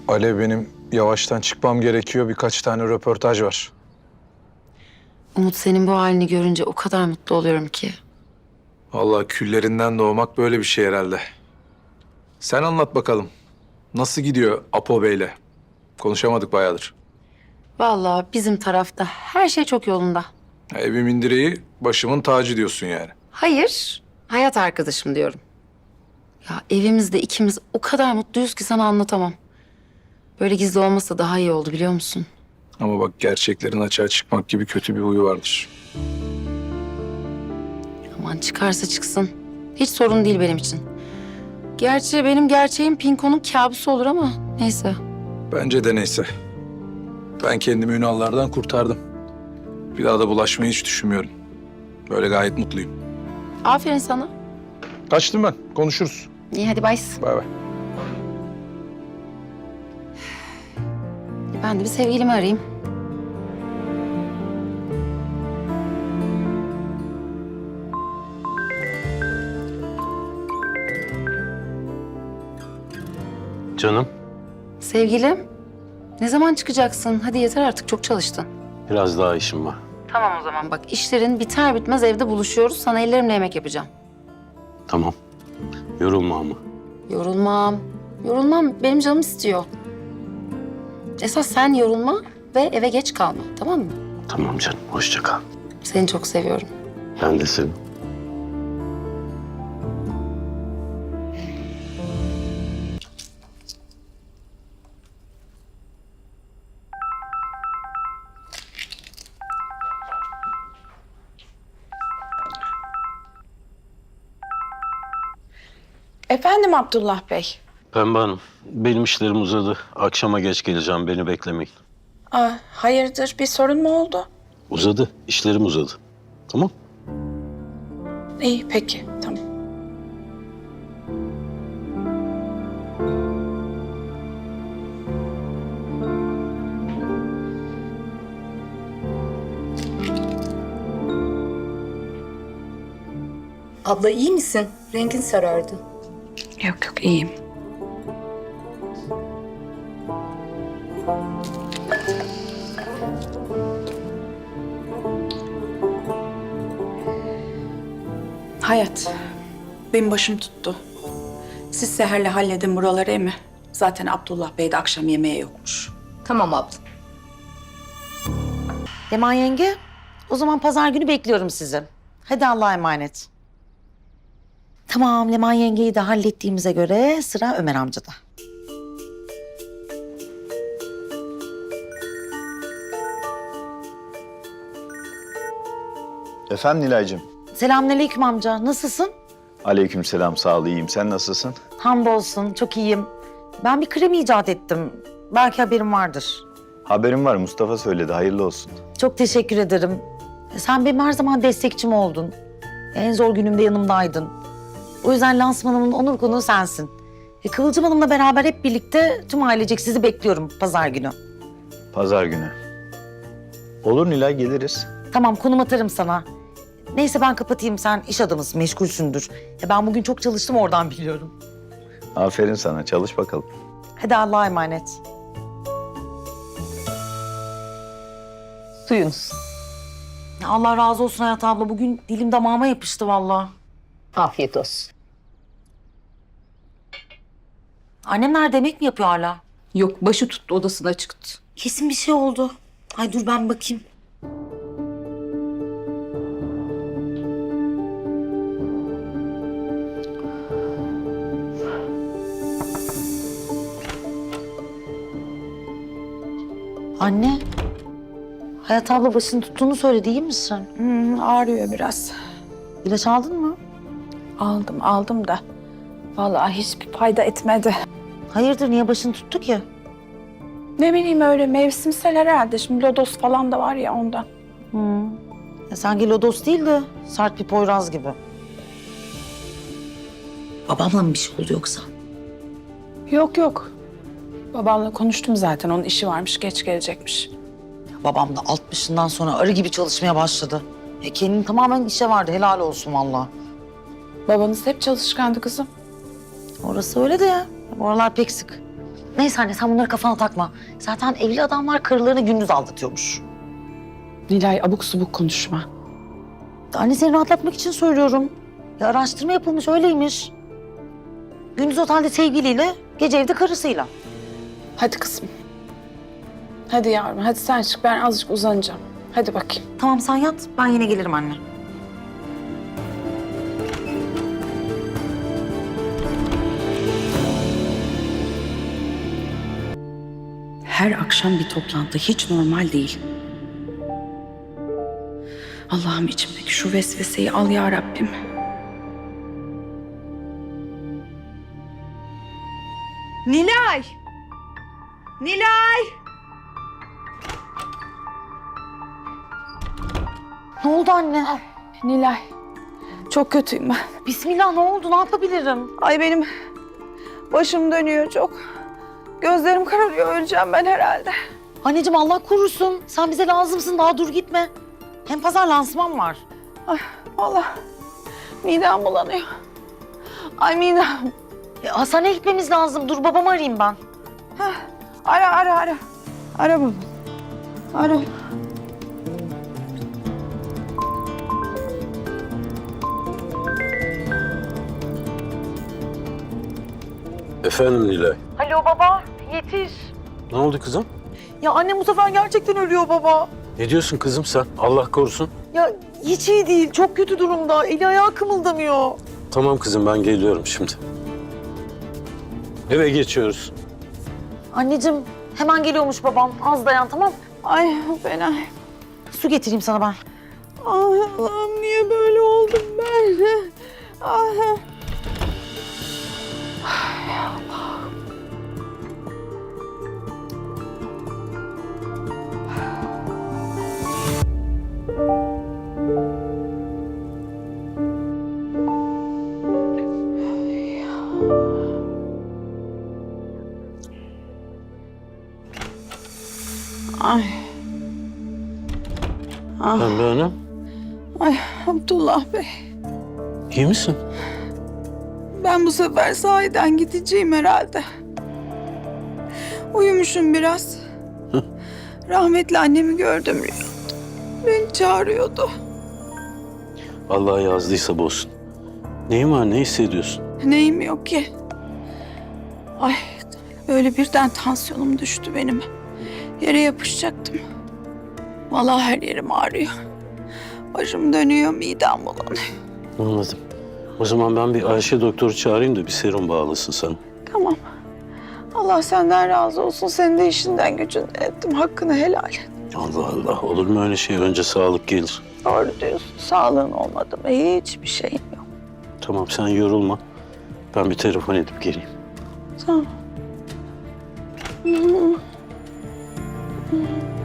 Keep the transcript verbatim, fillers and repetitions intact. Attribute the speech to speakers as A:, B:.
A: Alev, benim yavaştan çıkmam gerekiyor. Birkaç tane röportaj var.
B: Umut, senin bu halini görünce o kadar mutlu oluyorum ki.
A: Vallahi küllerinden doğmak böyle bir şey herhalde. Sen anlat bakalım. Nasıl gidiyor Apo Bey'le? Konuşamadık bayağıdır.
B: Vallahi bizim tarafta her şey çok yolunda.
A: Evimin direği, başımın tacı diyorsun yani.
B: Hayır, hayat arkadaşım diyorum. Ya evimizde ikimiz o kadar mutluyuz ki sana anlatamam. Böyle gizli olmasa daha iyi oldu, biliyor musun?
A: Ama bak, gerçeklerin açığa çıkmak gibi kötü bir huyu vardır.
B: Aman çıkarsa çıksın. Hiç sorun değil benim için. Gerçi benim gerçeğim Pinko'nun kabusu olur ama neyse.
A: Bence de neyse. Ben kendimi Ünal'lardan kurtardım. Bir daha da bulaşmayı hiç düşünmüyorum. Böyle gayet mutluyum.
B: Aferin sana.
A: Kaçtım ben. Konuşuruz.
B: İyi hadi bay.
A: Bay bay.
B: Ben de bir sevgilimi arayayım.
C: Canım,
B: Sevgilim, ne zaman çıkacaksın? Hadi yeter artık, çok çalıştın.
C: biraz daha işim var.
B: Tamam o zaman bak, işlerin biter bitmez evde buluşuyoruz. Sana ellerimle yemek yapacağım.
C: Tamam. Yorulma ama.
B: Yorulmam. Yorulmam, benim canım istiyor. Esas sen yorulma ve eve geç kalma, tamam mı?
C: Tamam canım, hoşça kal.
B: Seni çok seviyorum.
C: Ben de seni.
D: Efendim Abdullah Bey.
C: Pembe Hanım, benim işlerim uzadı. Akşama geç geleceğim, beni beklemeyin.
D: Aa, hayırdır, bir sorun mu oldu?
C: Uzadı, işlerim uzadı. Tamam?
D: İyi, peki, tamam.
E: Abla iyi misin? Rengin sarardı.
D: Yok yok, iyiyim. Hayat, benim başım tuttu. Siz Seher'le halledin buraları emi. Zaten Abdullah Bey de akşam yemeğe yokmuş.
E: Tamam abla.
F: Leman yenge, o zaman pazar günü bekliyorum sizi. Hadi Allah'a emanet. Tamam, Leman yengeyi de hallettiğimize göre sıra Ömer amcada.
G: Efendim Nilay'cığım.
F: Selamünaleyküm amca, nasılsın?
G: Aleykümselam, sağ ol, iyiyim. Sen nasılsın?
F: Hamdolsun, çok iyiyim. Ben bir krem icat ettim. Belki haberin vardır.
G: Haberim var, Mustafa söyledi. Hayırlı olsun.
F: Çok teşekkür ederim. Sen benim her zaman destekçim oldun. En zor günümde yanımdaydın. O yüzden lansmanımın onur konuğu sensin. E, Kıvılcım Hanım'la beraber hep birlikte tüm ailecek sizi bekliyorum pazar günü.
G: Pazar günü. Olur Nilay, geliriz.
F: Tamam, konum atarım sana. Neyse ben kapatayım, sen iş adamısın, meşgulsündür. Ya ben bugün çok çalıştım, oradan biliyorum.
G: Aferin sana, çalış bakalım.
F: Hadi Allah'a emanet.
E: Suyunuz.
F: Ya Allah razı olsun Hayat abla, bugün dilim damağıma yapıştı vallahi.
E: Afiyet olsun.
F: Annem nerede, yemek mi yapıyor hala?
E: Yok, başı tuttu, odasına çıktı.
F: Kesin bir şey oldu. Ay dur ben bakayım. Anne, Hayat abla başını tuttuğunu söyledi, iyi misin?
D: Hmm, ağrıyor biraz.
F: İlaç aldın mı?
D: Aldım, aldım da. Vallahi hiçbir fayda etmedi.
F: Hayırdır, niye başını tuttu ki?
D: Ne bileyim, öyle mevsimsel herhalde. Şimdi lodos falan da var ya ondan.
F: Hı. Ya sanki lodos değil de sert bir poyraz gibi. Babamla mı bir şey oldu yoksa?
D: Yok yok. Babamla konuştum zaten. Onun işi varmış, geç gelecekmiş.
F: Babam da altmışından sonra arı gibi çalışmaya başladı. E kendini tamamen işe verdi, helal olsun vallahi.
D: Babanız hep çalışkandı kızım.
F: Orası öyle de ya. Bu aralar pek sık. Neyse anne sen bunları kafana takma. Zaten evli adamlar karılarını gündüz aldatıyormuş.
D: Nilay abuk subuk konuşma.
F: Anne seni rahatlatmak için söylüyorum. Ya araştırma yapılmış öyleymiş. Gündüz otelde sevgiliyle, gece evde karısıyla.
D: Hadi kızım. Hadi yavrum, hadi sen çık. Ben azıcık uzanacağım. Hadi bakayım.
F: Tamam sen yat, ben yine gelirim anne.
D: Her akşam bir toplantı hiç normal değil. Allah'ım içimdeki şu vesveseyi al ya Rabbim. Nilay! Nilay!
F: Ne oldu anne?
D: Nilay, çok kötüyüm ben.
F: Bismillah ne oldu? Ne yapabilirim?
H: Ay benim başım dönüyor çok. Gözlerim kararıyor, öleceğim ben herhalde.
F: Anneciğim Allah korusun. Sen bize lazımsın. Daha dur gitme. Hem pazar lansman var.
H: Ay vallahi midem bulanıyor. Ay midem.
F: E, hastaneye gitmemiz lazım. Dur babamı arayayım ben.
H: Heh, ara ara ara. Ara baba. Ara.
C: Efendim Nilay.
F: Alo baba, yetiş.
C: Ne oldu kızım?
F: Ya annem bu sefer gerçekten ölüyor baba.
C: Ne diyorsun kızım sen? Allah korusun.
F: Ya hiç iyi değil. Çok kötü durumda. Eli ayağı kımıldamıyor.
C: Tamam kızım ben geliyorum şimdi. Eve geçiyoruz.
F: Anneciğim hemen geliyormuş babam. Az dayan tamam mı?
H: Ay fena.
F: Su getireyim sana ben.
H: Ay Allah'ım niye böyle oldum ben? Ay. Ay. Ah,
C: Pembe Hanım,
H: ay Abdullah Bey.
C: iyi misin?
H: Ben bu sefer sahiden gideceğim herhalde. Uyumuşum biraz. Rahmetli annemi gördüm rüyamda. Beni çağırıyordu.
C: Allah yazdıysa bozsun. Neyin var, ne hissediyorsun?
H: Neyim yok ki? Ay böyle birden tansiyonum düştü benim. Yere yapışacaktım. Vallahi her yerim ağrıyor. Başım dönüyor, midem bulanıyor.
C: Anladım. O zaman ben bir Ayşe doktoru çağırayım da bir serum bağlasın sana.
H: Tamam. Allah senden razı olsun. Senin de işinden gücünden ettim. Hakkını helal et.
C: Allah Allah, olur mu öyle şey? Önce sağlık gelir.
H: Doğru diyorsun. Sağlığın olmadı mı hiçbir şeyin yok.
C: Tamam sen yorulma. Ben bir telefon edip geleyim.
H: Tamam.